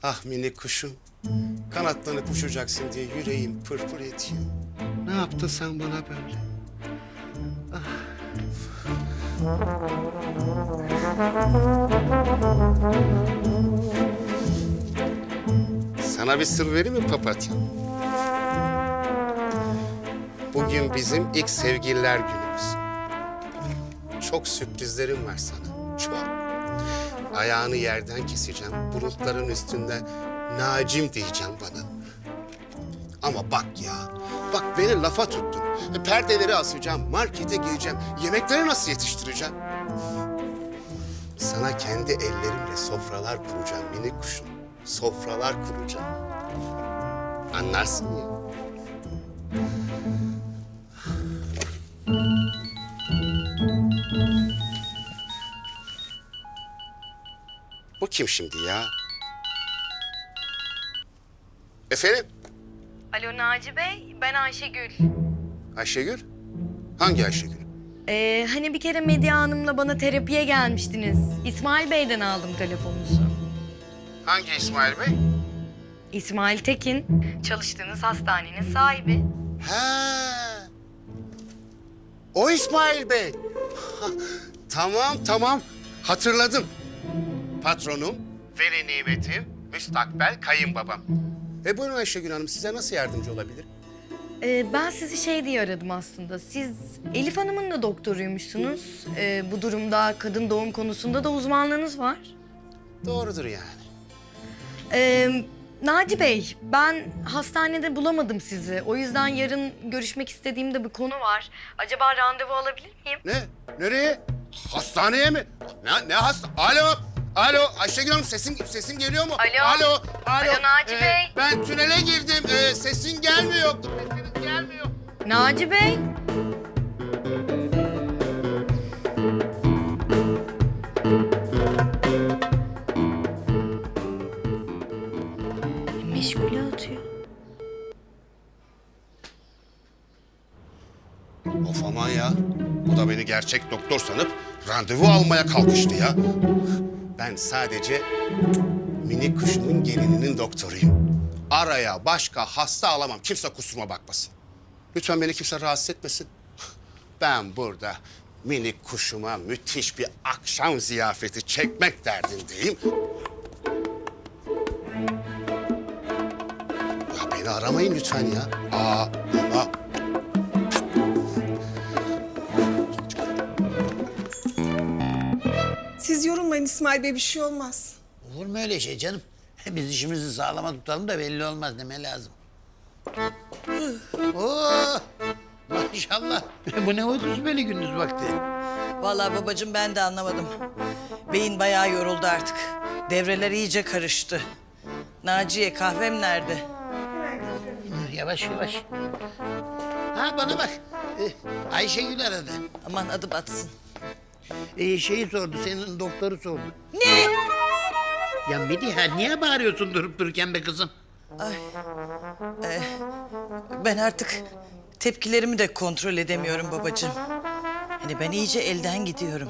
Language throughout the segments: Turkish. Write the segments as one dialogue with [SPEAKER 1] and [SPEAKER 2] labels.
[SPEAKER 1] Ah minik kuşum. Kanatlanıp uçacaksın diye yüreğim pırpır ediyor. Ne yaptın sen bana böyle? Sana bir sır vereyim mi papatya? Bugün bizim ilk sevgililer günümüz. Çok sürprizlerim var sana, çok. Ayağını yerden keseceğim, bulutların üstünde Nacim diyeceğim bana. Ama bak ya, bak beni lafa tuttun. Perdeleri asacağım, markete gireceğim, yemekleri nasıl yetiştireceğim? Sana kendi ellerimle sofralar kuracağım minik kuşum. Sofralar kuracağım. Anlarsın ya. Bu kim şimdi ya? Efendim?
[SPEAKER 2] Alo Naci Bey, ben Ayşegül.
[SPEAKER 1] Ayşegül? Hangi Ayşegül?
[SPEAKER 2] Hani bir kere Medya Hanım'la bana terapiye gelmiştiniz. İsmail Bey'den aldım telefonunuzu.
[SPEAKER 1] Hangi İsmail Bey?
[SPEAKER 2] İsmail Tekin, çalıştığınız hastanenin sahibi.
[SPEAKER 1] He. O İsmail Bey. Tamam. Hatırladım. Patronum, veli nimetim, müstakbel kayınbabam. Buyurun Ayşegül Hanım, size nasıl yardımcı olabilir?
[SPEAKER 2] Ben sizi şey diye aradım aslında. Siz Elif Hanım'ın da doktoruymuşsunuz. Bu durumda kadın doğum konusunda da uzmanlığınız var.
[SPEAKER 1] Doğrudur yani.
[SPEAKER 2] Naci Bey, ben hastanede bulamadım sizi. O yüzden yarın görüşmek istediğimde bir konu var. Acaba randevu alabilir miyim?
[SPEAKER 1] Ne? Nereye? Hastaneye mi? Ne hasta? Alo Ayşegül Hanım, sesin geliyor mu?
[SPEAKER 2] Alo. Alo Naci Bey.
[SPEAKER 1] Ben tünele girdim. Sesin gelmiyor. Sesiniz gelmiyor.
[SPEAKER 2] Naci Bey. Meşgule atıyor.
[SPEAKER 1] Of aman ya. Bu da beni gerçek doktor sanıp randevu almaya kalkıştı ya. Ben sadece minik kuşumun gelininin doktoruyum. Araya başka hasta alamam. Kimse kusuruma bakmasın. Lütfen beni kimse rahatsız etmesin. Ben burada minik kuşuma müthiş bir akşam ziyafeti çekmek derdindeyim. Ya beni aramayın lütfen ya. Aa.
[SPEAKER 3] Siz yorulmayın İsmail Bey, bir şey olmaz.
[SPEAKER 4] Olur mu öyle şey canım? Biz işimizi sağlama tutalım da belli olmaz deme lazım. Oo, maşallah. Bu ne uykusu böyle gündüz vakti?
[SPEAKER 5] Vallahi babacığım ben de anlamadım. Beyin bayağı yoruldu artık. Devreler iyice karıştı. Naciye kahvem nerede?
[SPEAKER 4] Yavaş. Ha bana bak. Ayşegül aradı.
[SPEAKER 5] Aman adı batsın.
[SPEAKER 4] Şeyi sordu, senin doktoru sordu.
[SPEAKER 5] Ne?
[SPEAKER 4] Ya Mediha niye bağırıyorsun durup dururken be kızım?
[SPEAKER 5] Ben artık tepkilerimi de kontrol edemiyorum babacığım. Hani ben iyice elden gidiyorum.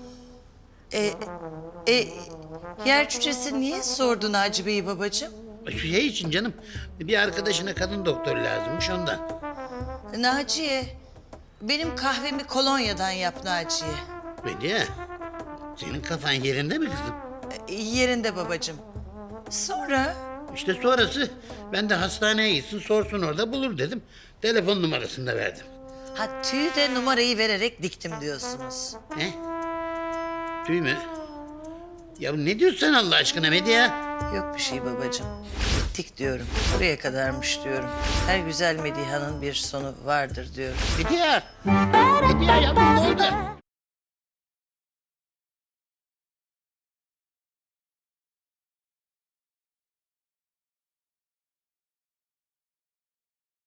[SPEAKER 5] Yer cücesi niye sordu Naci Bey'i babacığım?
[SPEAKER 4] Şey için canım, bir arkadaşına kadın doktor lazımmış ondan.
[SPEAKER 5] Naciye, benim kahvemi kolonyadan yap Naciye.
[SPEAKER 4] Mediha, senin kafan yerinde mi kızım?
[SPEAKER 5] Yerinde babacığım. Sonra?
[SPEAKER 4] İşte sonrası ben de hastaneye gitsin sorsun orada bulur dedim. Telefon numarasını da verdim.
[SPEAKER 5] Ha tüyü de numarayı vererek diktim diyorsunuz.
[SPEAKER 4] He? Tüy mü? Ya ne diyorsun sen Allah aşkına Medya?
[SPEAKER 5] Yok bir şey babacığım. Dik diyorum. Buraya kadarmış diyorum. Her güzel Mediha'nın bir sonu vardır diyorum.
[SPEAKER 4] Medya! Medya yavrum ne oldu?